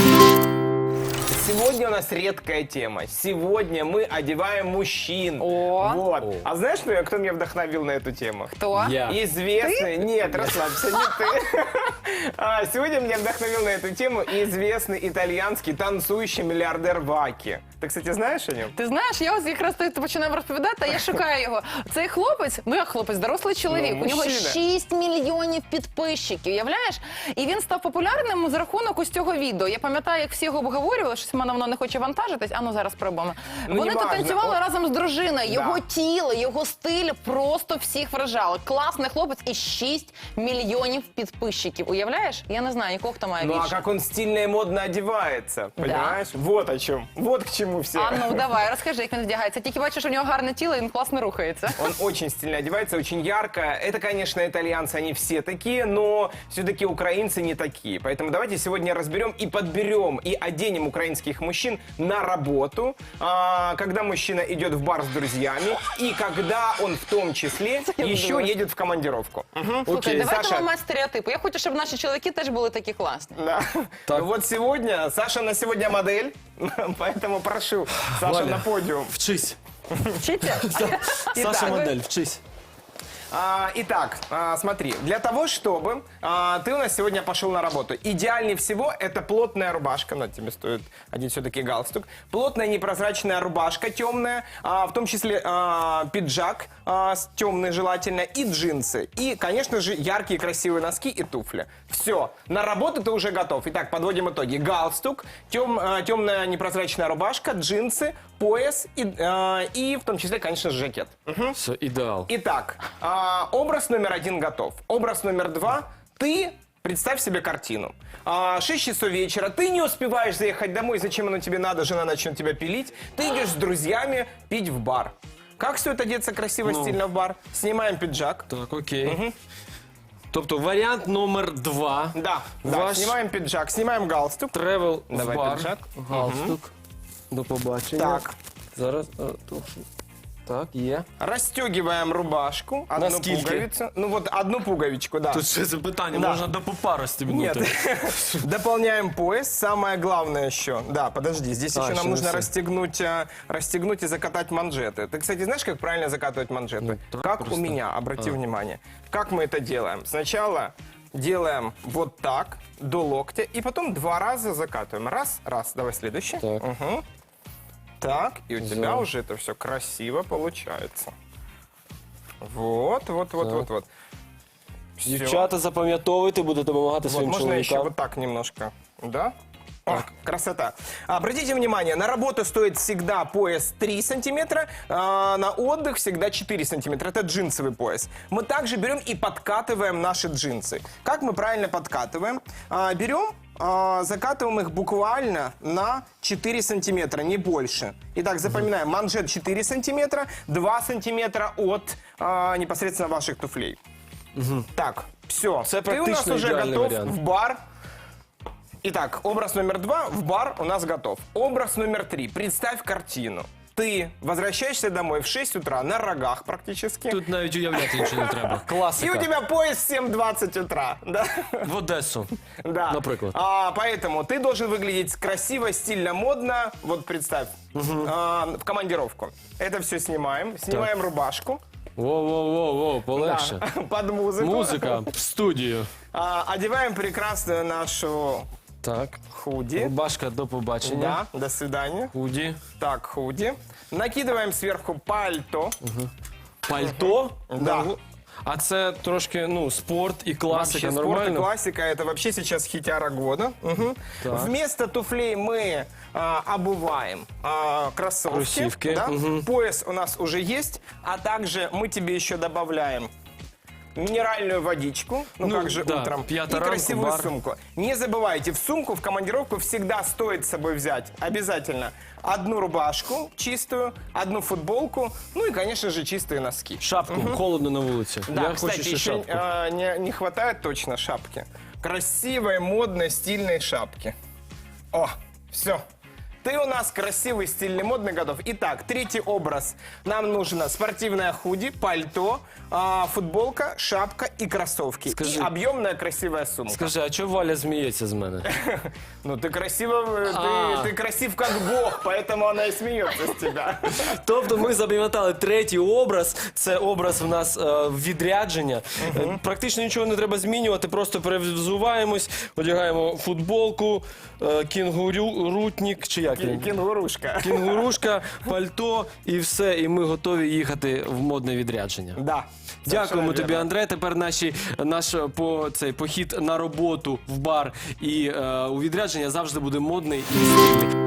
Сегодня у нас редкая тема. Сегодня мы одеваем мужчин. О. Вот. А знаешь, кто меня вдохновил на эту тему? Кто? Я. Известный... Нет, расслабься, не ты. Сегодня меня вдохновил на эту тему известный итальянський танцующий мільярдер Вакі. Ти, кстати, знаєш о ньому? Ти знаєш, я ось якраз ти починав розповідати, а я шукаю його. Цей хлопець, ну як хлопець, дорослий чоловік, Ну, у нього мужчина. 6 мільйонів підписчиків, уявляєш? І він став популярним за рахунок ось цього відео. Я пам'ятаю, як всі його обговорювали, що мене воно не хоче вантажитись, а ну зараз пробуємо. Ну, Вони тут неважно. танцювали разом з дружиною, його Да. тіло, його стиль просто всіх вражали. Класний хлопець і 6 мільйонів підписчиків, уявляєш? Я не знаю, нікого, хто має Ну а більше. как он стильно и модно одевается, понимаешь? Вот о чем. Вот к чему все. А ну, давай, розкажи, як він вдягається. Тільки бачиш, у нього гарне тіло, і він класно рухається. Он очень стильно одевается, очень ярко. Это, конечно, итальянцы, они все такие, но все-таки украинцы не такие. Поэтому давайте сегодня разберем и подберем, и оденем украинских мужчин на работу, когда мужчина идет в бар с друзьями, и когда он в том числе еще думаю. едет в командировку. Слухай, Окей, давайте Саша. ламати стереотипи. Я хочу, щоб наші чоловіки теж були такі класні. Да. Ну вот сегодня, Саша на сегодня модель, поэтому прошу, Саша Валя, на подиум. Вчись. Вчиться? Саша Итак, модель, вчись. Итак, смотри, для того, чтобы ты у нас сегодня пошел на работу, идеальнее всего это плотная рубашка, но тебе стоит одеть все-таки галстук, плотная непрозрачная рубашка темная, в том числе пиджак темный желательно и джинсы. И, конечно же, яркие красивые носки и туфли. Все, на работу ты уже готов. Итак, подводим итоги. Галстук, темная непрозрачная рубашка, джинсы, пояс и в том числе, конечно же, жакет. Все, ідеал. Итак, образ номер 1 готов. Образ номер 2. Ты представь себе картину. 6 часов вечера, ты не успеваешь заехать домой, зачем оно тебе надо, жена начнет тебя пилить. Ты идешь с друзьями пить в бар. Как стоит одеться красиво, стильно в бар? Снимаем пиджак. Так, окей. Тобто варіант номер 2. Да, Ваш снимаем пиджак, снимаем галстук. тревел в Давай бар. пиджак. Галстук. До побачення. Так. Зараз. Так, є. Расстегиваем рубашку, одну Наскільки? пуговицу. Ну вот одну пуговичку, да. Тут ще запитання, Да. можна до пупа Нет. розстібнути. Дополняем пояс. Самое главное еще. Да, подожди. Здесь еще еще нам не нужно все. расстегнуть и закатать манжеты. Ты, кстати, знаешь, как правильно закатывать манжеты? Ну, так как просто. у меня, обрати внимание. Как мы это делаем? Сначала делаем вот так, до локтя, и потом 2 раза закатываем. Раз, раз. Давай следующий. Так. Угу. Так, и у тебя уже это все красиво получается. Вот, вот, вот, вот, вот. Всё. Дівчата, запам'ятовуйте, будете допомагати Вот, своїм можно еще чоловікам. вот так немножко, да? О, красота. Обратите внимание, на работу стоит всегда пояс 3 сантиметра, на отдых всегда 4 сантиметра. Это джинсовый пояс. Мы также берем и подкатываем наши джинсы. Как мы правильно подкатываем? Берем, закатываем их буквально на 4 сантиметра, не больше. Итак, запоминаем, манжет 4 сантиметра, 2 сантиметра от непосредственно ваших туфлей. Так, все. Це Ты у нас практично уже ідеальний готов варіант. в бар. Итак, образ номер 2 в бар у нас готов. Образ номер 3. Представь картину. Ты возвращаешься домой в 6 утра на рогах практически. Тут навіть уявляти нічого не треба. И Класика. у тебя пояс в 7:20 утра. Да? В Одесу. Да. Например. Поэтому ты должен выглядеть красиво, стильно, модно. Вот представь, в командировку. Это все снимаем. Снимаем рубашку. Воу-воу-воу, полегше. Да, под музыку. Музика в студію. Одеваем прекрасную нашу Так. худи. Рубашка, до побачення. Да, до свидания. Худі. Так, худи. Накидываем сверху пальто. Пальто. Да. А це трошки, ну, спорт і класика, Вообще, спорт и нормально? классика, это вообще сейчас хитяра года. Мгм. Так. Вместо туфлей мы обуваем кроссовки. Кроссовки, Да? мгм. Пояс у нас уже есть, а также мы тебе еще добавляем минеральную водичку, ну, Ну, как же да, утром, и п'ята ранку, красивую бар. сумку. Не забывайте, в сумку, в командировку всегда стоит с собой взять обязательно одну рубашку чистую, одну футболку, ну и, конечно же, чистые носки. Шапку, холодно на вулиці. Да, Я кстати, хочу ще еще шапку. не хватает точно шапки. Красивой, модной, стильной шапки. О, все. Ты у нас красивый, стильный, модный, готов. Итак, третий образ. Нам нужно спортивное худи, пальто, футболка, шапка и кроссовки. Скажи- И объемная красивая сумка. Скажи, а чого Валя сміється з мене? Ну, ты ты красив как бог, поэтому она и смеется с тебя. Тобто ми запам'ятали третій образ. Це образ в нас відрядження. Практично нічого не треба змінювати, просто перевзуваємось, одягаємо футболку, кінгурутник, чи як він? Кенгурушка. Кінгурушка, пальто і все, і ми готові їхати в модне відрядження. Да. Дякуємо Совершенно тобі, верно. Андре. Тепер наш похід на роботу в бар і у відрядження завжди буде модний і стильний.